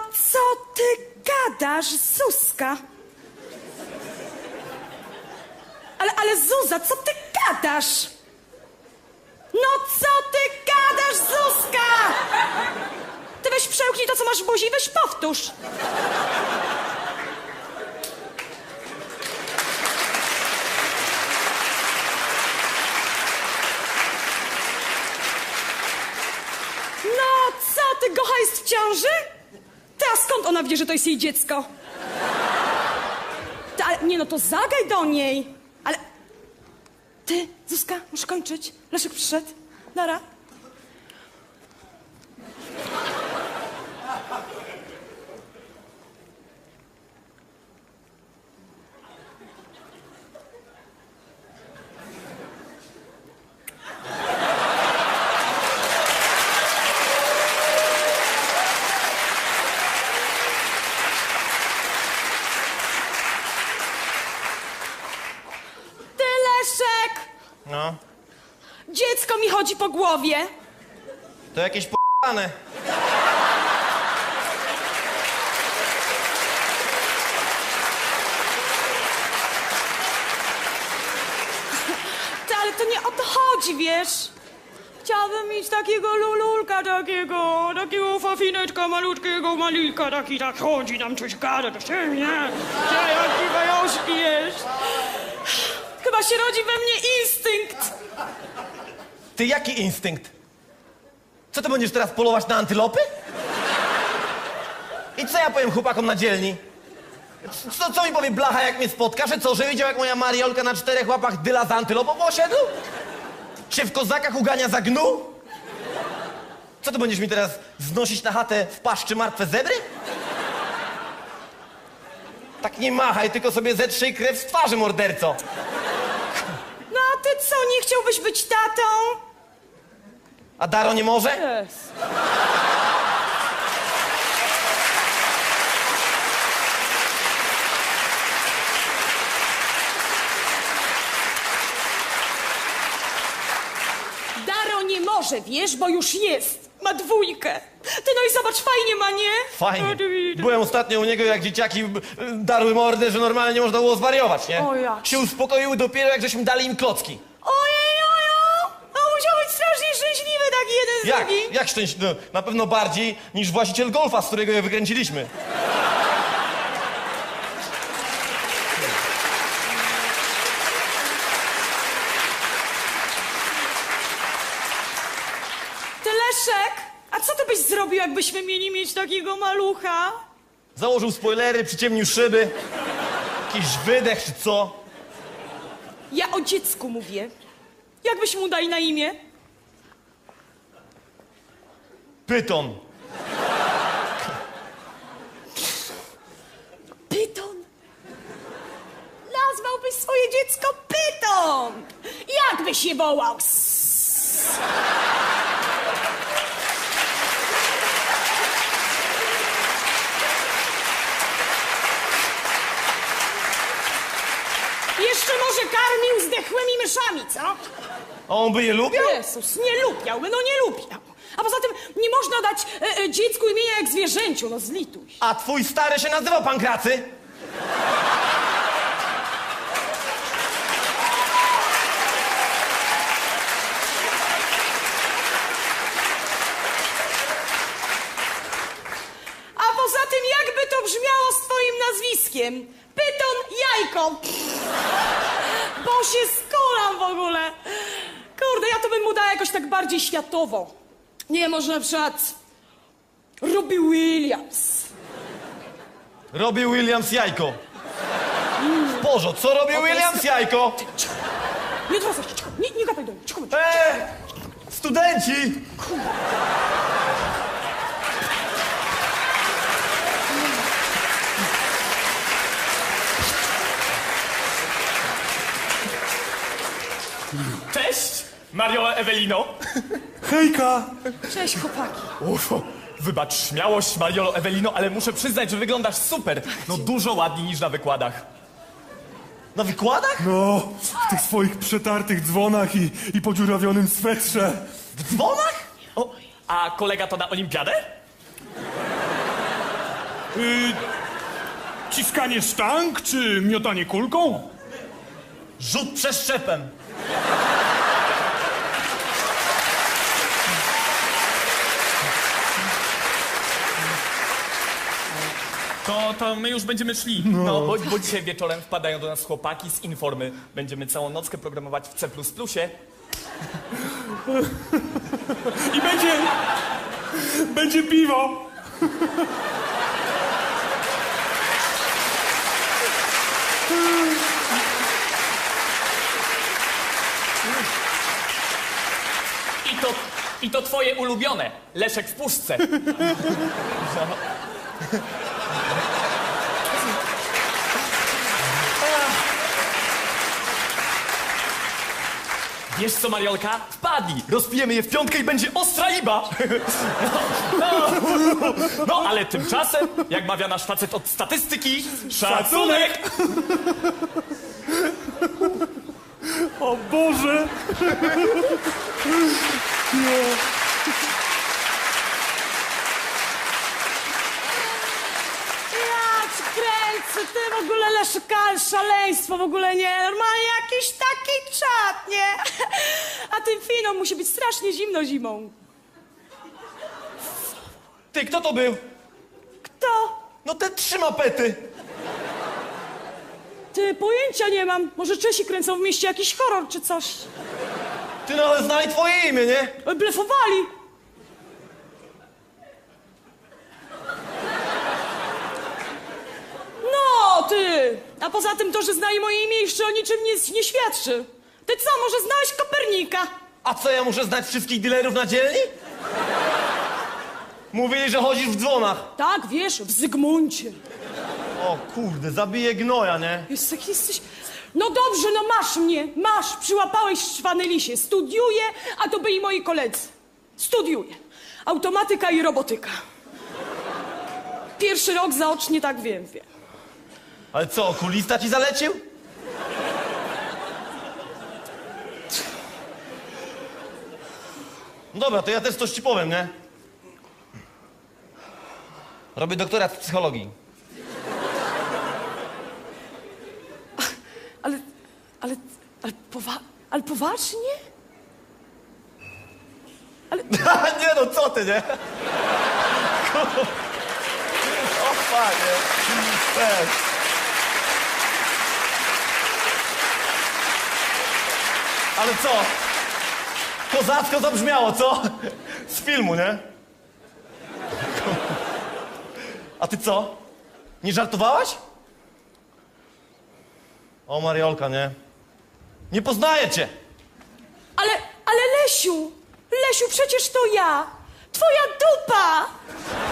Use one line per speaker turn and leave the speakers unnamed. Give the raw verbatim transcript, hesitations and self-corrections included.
co ty gadasz, Zuzka? Ale, ale Zuza, co ty gadasz? No co ty gadasz, Zuzka? Ty weź przełknij to, co masz w buzi i weź powtórz. No co ty, Gocha jest w ciąży? Ty, a skąd ona wie, że to jest jej dziecko? Ty, ale, nie no, to zagaj do niej. Ale... Ty, Zuzka, muszę kończyć. Leszek przyszedł. Nara. Ty, Leszek!
No,
Dziecko mi chodzi po głowie.
to jakieś p***ane.
Ty, ale to nie o to chodzi, wiesz? Chciałabym mieć takiego lululka, takiego, takiego fafineczka malutkiego, malika, taki tak chodzi, tam coś gada do siebie, nie? Jaki bajoszki jest. Chyba się rodzi we mnie instynkt.
Ty, jaki instynkt? Co, ty będziesz teraz polować na antylopy? I co ja powiem chłopakom na dzielni? Co, co mi powie blacha, jak mnie spotka? Że co, że widział, jak moja Mariolka na czterech łapach dyla za antylopą osiedł? Się w kozakach ugania za gnu? Co, ty będziesz mi teraz znosić na chatę w paszczy martwe zebry? Tak nie machaj, tylko sobie zetrzyj krew z twarzy, morderco.
No a ty co, nie chciałbyś być tatą?
A Daro nie może?
Jest. Daro nie może, wiesz, bo już jest. Ma dwójkę. Ty, no i zobacz, fajnie ma, nie?
Fajnie.
No, ty widzisz.
Byłem ostatnio u niego, jak dzieciaki b- darły mordę, że normalnie nie można było zwariować, nie?
O jak.
Się uspokoiły dopiero, jak żeśmy dali im klocki.
Ojej, ojo! No musiał być strasznie szczęśliwy taki jeden z
Jak?
drugim.
Jak szczęśliwy? No, na pewno bardziej niż właściciel golfa, z którego je wykręciliśmy.
Ty, Leszek, a co ty byś zrobił, jakbyśmy mieli mieć takiego malucha?
Założył spoilery, przyciemnił szyby. Jakiś wydech czy co?
Ja o dziecku mówię. Jak byśmy mu dali na imię?
Pyton.
Pyton. Nazwałbyś swoje dziecko Pyton. Jak byś je wołał? Sss. Jeszcze może karmił zdechłymi myszami, co?
A on by je lubiał?
Jezus, nie lubiałby, no nie lubiał. A poza tym nie można dać e, e, dziecku imienia jak zwierzęciu, no zlituj się.
A twój stary się nazywał Pankracy?
A poza tym jakby to brzmiało z twoim nazwiskiem? Pyton Jajko. Bo się skuram w ogóle. Kurde, ja to bym mu dała jakoś tak bardziej światowo. Nie, może na przykład Robbie Williams.
Robi Williams jajko. Bożo, co robi Williams jajko?
Cicho. Nie odwracaj się, cicho. Nie, nie gadaj do mnie, cicho. bądź.
Eee! Studenci!
Cześć, Mario Ewelino.
Hejka!
Cześć, chłopaki.
Uff, wybacz śmiałość, Mariolo Ewelino, ale muszę przyznać, że wyglądasz super. No dużo ładniej niż na wykładach.
Na wykładach?
No, w tych swoich przetartych dzwonach i, i podziurawionym swetrze.
W dzwonach?
O, a kolega to na olimpiadę?
Y, ciskanie sztang czy miotanie kulką?
Rzut przeszczepem.
To, to my już będziemy szli. No, bo, bo dzisiaj wieczorem wpadają do nas chłopaki z Informy. Będziemy całą nockę programować w C plus plus.
I będzie... będzie piwo.
I to, I to twoje ulubione. Leszek w puszce. Wiesz co, Mariolka? Wpadnij! Rozpijemy je w piątkę i będzie ostra iba! No, no, no, ale tymczasem, jak mawia nasz facet od statystyki, szacunek!
O Boże!
Ja ci kręcę, ty w ogóle Leszka, szaleństwo w ogóle nie, normalnie jakiś taki czat, nie? A tym finom musi być strasznie zimno zimą.
Ty, kto to był?
Kto?
No te trzy mapety.
Ty, pojęcia nie mam. Może Czesi kręcą w mieście jakiś horror czy coś.
Ty, no ale znali twoje imię, nie?
Oj, blefowali. No, ty! A poza tym to, że znali moje imię, jeszcze o niczym nie, nie świadczy. Ty co, może znałeś Kopernika?
A co, ja muszę znać wszystkich dealerów na dzielni? Mówili, że chodzisz w dzwonach.
Tak, wiesz, w Zygmuncie.
O kurde, zabiję gnoja, nie?
Jest, jak jesteś... No dobrze, no masz mnie, masz. Przyłapałeś szwany lisie. Studiuję, a to byli moi koledzy. Studiuję. Automatyka i robotyka. Pierwszy rok zaocznie, tak wiem, wiem.
Ale co, okulista ci zalecił? No dobra, to ja też coś ci powiem, nie? Robię doktorat z psychologii.
Ale, ale, ale, powa ale poważnie? Ale,
nie no, co ty, nie? O panie. Weź. Ale co? Kozacko zabrzmiało, co? Z filmu, nie? A ty co? Nie żartowałaś? O, Mariolka, nie? Nie poznaję cię!
ale, ale Lesiu, Lesiu, przecież to ja. Twoja dupa.